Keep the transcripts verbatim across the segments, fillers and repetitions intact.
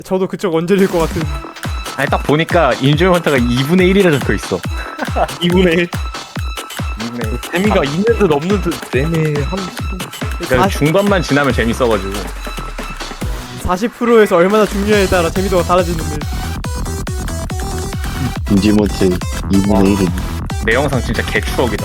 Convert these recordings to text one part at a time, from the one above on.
저도 그쪽 원딜일 것 같은. 아니 딱 보니까 인조먼트가 이분의 일이라 적혀있어. 이분의 일. 이분의 일. 재미가 있는 듯 없는 듯 애매한. 그러니까 중반만 지나면 재밌어가지고. 사십 퍼센트에서 얼마나 중요에 따라 재미도가 달라지는데. 인지모트 이분의 일은 내 영상 진짜 개추억이다.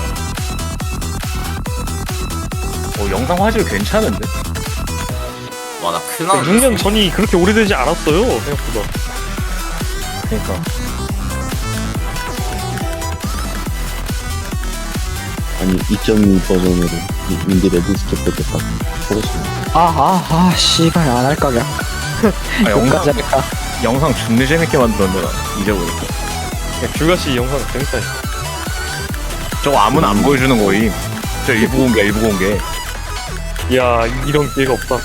어 영상 화질 괜찮은데? 와, 나 큰일 나네. 육 년 전이 그렇게 오래되지 않았어요 생각보다. 그러니까. 아니 이 점 이 버전으로 이- 인디 레드스케 뺏겼다고 보고 싶네. 아아아 씨발 안 할까 그냥. 아, 영상 끝까지 할까. 영상 존나 재밌게 만들었네 나 잊어버렸어. 야, 귤가씨 영상 재밌다. 저거 아무나 안 보여주는 거임. 저 일부 공개 일부 공개. 야, 이런 기회가 없다.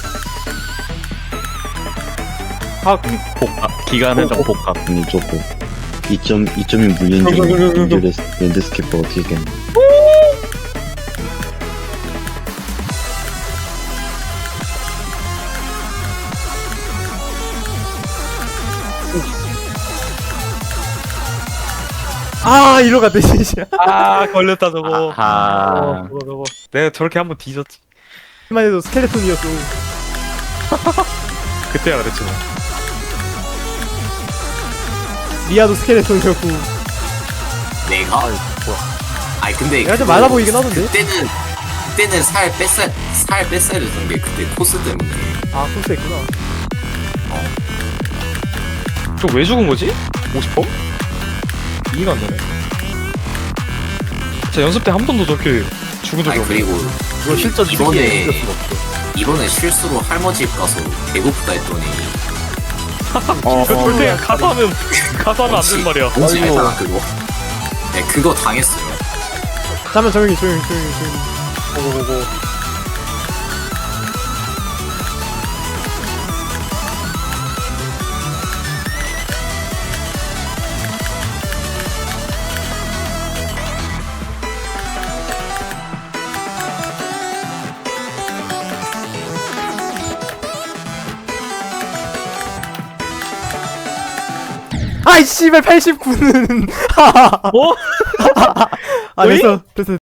학 복합 기간 한정 복합. 아니 저거 이 점 이 점이 물린 그, 그, 그, 그, 그. 중에 인디 레드스케퍼 어떻게 겠네. 아 이러 갔네 진짜. 아, 걸렸다 저거. 아하. 어, 저거 저거. 내가 저렇게 한번 뒤졌지. 만 해도 스켈레톤이었어. 그때야 그랬지 뭐. 리아도 스켈레톤이었고. 내가? 아니 근데 내가 좀 그거 말라 보이긴 하던데. 그때는 그때는 살 뺐어야 살 뺐어야 되던 게 그때 코스 때문에. 아 코스 했구나. 저 왜 죽은 거지? 오십 퍼센트? 이해가 안 되네. 자, 연습 때 한 번도 저렇게 죽은 적이 아니 없어. 그리고 이거 실전 이번에 특이해. 이길 수가 없어. 이번에 실수로 할머 집 가서 배고프다 했더니 어, 그 절대 그냥 가서 하면 가서 하면 안 되는 말이야. 뭔지 아이고. 알잖아 그거. 네 그거 당했어요. 잠깐만 조용히 조용히 조용히 조용히. 고고고고. 아이 씨발 팔십구는. 뭐? 아 됐어 됐어.